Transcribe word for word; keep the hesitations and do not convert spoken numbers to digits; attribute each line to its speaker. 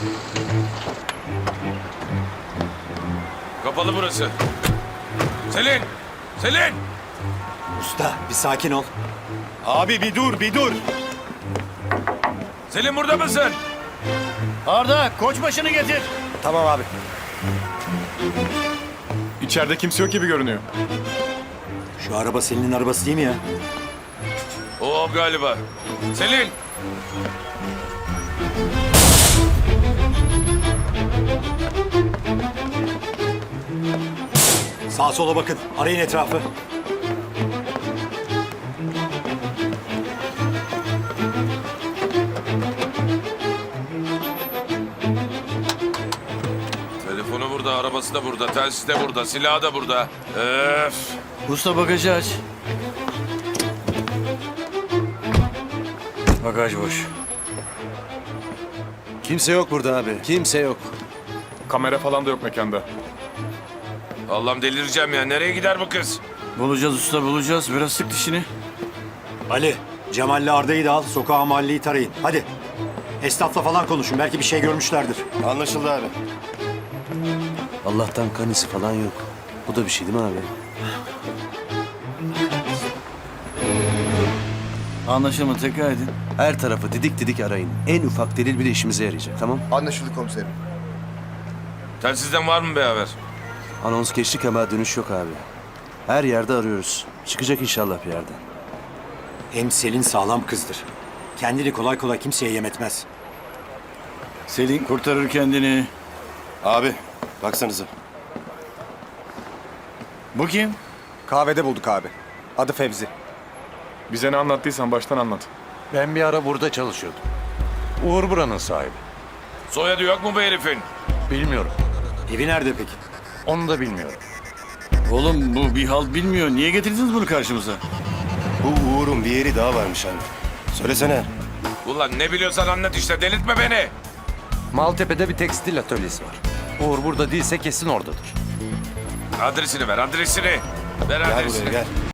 Speaker 1: Kapalı burası. Selin! Selin!
Speaker 2: Usta bir sakin ol.
Speaker 3: Abi bir dur, bir dur.
Speaker 1: Selin burada mısın?
Speaker 4: Arda, koçbaşını getir.
Speaker 3: Tamam abi.
Speaker 5: İçeride kimse yok gibi görünüyor.
Speaker 2: Şu araba Selin'in arabası değil mi ya?
Speaker 1: O galiba. Selin!
Speaker 2: Sağa sola bakın. Arayın etrafı.
Speaker 1: Telefonu burada, arabası da burada, telsiz de burada, silahı da burada. Öf!
Speaker 4: Usta bagajı aç. Bagaj boş.
Speaker 3: Kimse yok burada abi. Kimse yok.
Speaker 5: Kamera falan da yok mekanda.
Speaker 1: Allah'ım delireceğim ya. Nereye gider bu kız?
Speaker 4: Bulacağız usta, bulacağız. Biraz sık dişini.
Speaker 2: Ali, Cemal'le Arda'yı da al. Sokağa mahalleyi tarayın. Hadi. Esnafla falan konuşun. Belki bir şey görmüşlerdir.
Speaker 3: Anlaşıldı abi.
Speaker 6: Allah'tan kan izi falan yok. Bu da bir şey değil mi abi?
Speaker 4: Anlaşılma, tekrar edin.
Speaker 6: Her tarafı didik didik arayın. En ufak delil bile işimize yarayacak, tamam?
Speaker 3: Anlaşıldı komiserim.
Speaker 1: Telsizden var mı bir haber?
Speaker 6: Anons geçtik ama dönüş yok abi. Her yerde arıyoruz. Çıkacak inşallah bir yerden.
Speaker 2: Hem Selin sağlam kızdır. Kendini kolay kolay kimseye yem etmez.
Speaker 4: Selin kurtarır kendini.
Speaker 3: Abi baksanıza.
Speaker 4: Bu kim?
Speaker 3: Kahvede bulduk abi. Adı Fevzi.
Speaker 5: Bize ne anlattıysan baştan anlat.
Speaker 7: Ben bir ara burada çalışıyordum. Uğur buranın sahibi.
Speaker 1: Soyadı yok mu bu herifin?
Speaker 7: Bilmiyorum.
Speaker 2: Evi nerede peki?
Speaker 7: Onu da bilmiyorum.
Speaker 4: Oğlum bu bir halt bilmiyor. Niye getirdiniz bunu karşımıza?
Speaker 3: Bu Uğur'un bir yeri daha varmış abi. Söylesene.
Speaker 1: Ulan ne biliyorsan anlat işte. Delirtme beni.
Speaker 7: Maltepe'de bir tekstil atölyesi var. Uğur burada değilse kesin oradadır.
Speaker 1: Adresini ver, adresini. Ver
Speaker 3: Gel
Speaker 1: adresini.
Speaker 3: buraya gel.